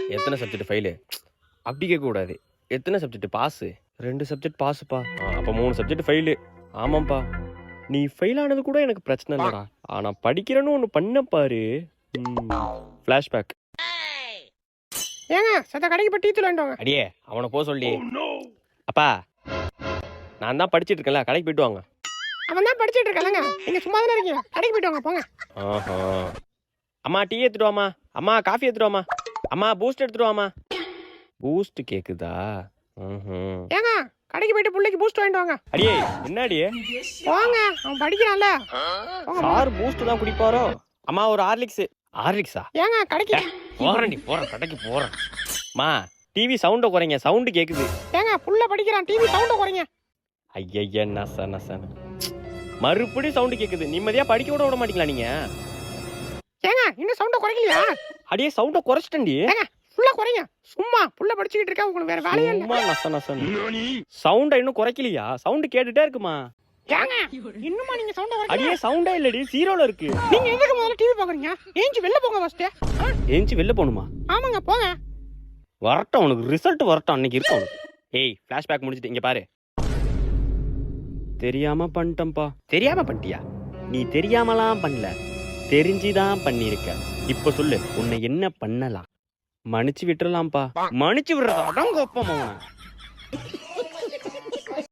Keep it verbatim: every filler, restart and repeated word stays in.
எத்தனை subject fail அப்படி கேட்கக்கூடாது. எத்தனை சப்ஜெக்ட் பாஸு? ரெண்டு சப்ஜெக்ட் பாஸுப்பா. அப்போ மூணு சப்ஜெக்ட் ஃபெயிலு. ஆமாம்ப்பா. நீ ஃபெயில் ஆனது கூட எனக்கு பிரச்சனை இல்லைடா. ஆனால் படிக்கிறேன்னு ஒன்று பண்ண பாரு. ஃப்ளாஷ்பேக். ஏங்க சத்த கடைக்கு போய் டீ தூள் வாங்கிட்டு வாங்க. அடியே அவனை போக சொல்லி. அப்பா நான் தான் படிச்சுட்டு இருக்கேன்ல, கடைக்கு போயிட்டு வாங்க. அவன் தான் படிச்சுட்டு இருக்கலங்க, நீங்க சும்மா தானே இருக்கீங்க, கடைக்கு போயிட்டு வாங்க போங்க. ஆஹா. அம்மா டீ எடுத்துட்டு வாமா. அம்மா காஃபி எடுத்துட்டு வாமா. அம்மா பூஸ்ட் எடுத்துட்டு வாமா. பூஸ்ட் கேக்குதா? ஏங்க கடைக்கு போயிட்டு பிள்ளைக்கு பூஸ்ட் வாங்கிட்டு வாங்க. அடியே என்னடியே? போங்க, அவன் படிக்கிறான்ல. சார் பூஸ்ட் தான் குடிப்பாரோ? அம்மா ஒரு ஹார்லிக்ஸ். ஹார்லிக்ஸா? ஏங்க கடைக்கு போறேன்டி போறேன், கடைக்கு போறேன். மா டிவி சவுண்ட குறைங்க, சவுண்ட் கேக்குது. ஏங்க புள்ள படிக்கிறான், டிவி சவுண்ட குறைங்க. ஐயய்ய நச நச. மறுபடியும் சவுண்ட் கேக்குது. நிம்மதியா படிக்க கூட விட மாட்டீங்களா நீங்க? ஏங்க இன்னும் சவுண்ட குறைக்கலையா? அடியே சவுண்ட குறைச்சிட்டேன்டி. ஏங்க புள்ள குறைங்க. சும்மா புள்ள படிச்சிட்டு இருக்கா, உங்களுக்கு வேற வேலையே இல்ல. சும்மா நச நச. சவுண்ட இன்னும் குறைக்கலையா? சவுண்ட் கேட்டுட்டே இருக்குமா? ஏங்க இன்னுமா நீங்க சவுண்ட குறைக்கல? அடியே சவுண்டே இல்லடி, ஜீரோல இருக்கு. நீங்க எதுக்கு முதல்ல டிவி பாக்குறீங்க? ஏஞ்சி வெளில போங்க ஃபர்ஸ்ட். ஏஞ்சி வெளில போணுமா? ஆமாங்க போங்க. வரட்டும் உனக்கு ரிசல்ட் வரட்டும், அன்னைக்கு இருக்கு உனக்கு. ஏய் ஃபிளாஷ்பேக் முடிச்சிட்டு இங்க பாரு. தெரியாம பண்ணிட்டேன்ப்பா. தெரியாம பண்ணிட்டியா? நீ தெரியாமலாம் பண்ணல, தெரிஞ்சுதான் பண்ணிருக்க. இப்ப சொல்லு, உன்னை என்ன பண்ணலாம்? மன்னிச்சு விட்டுறலாம்ப்பா. மன்னிச்சு விடுறதா? அதான் கோப்பமா.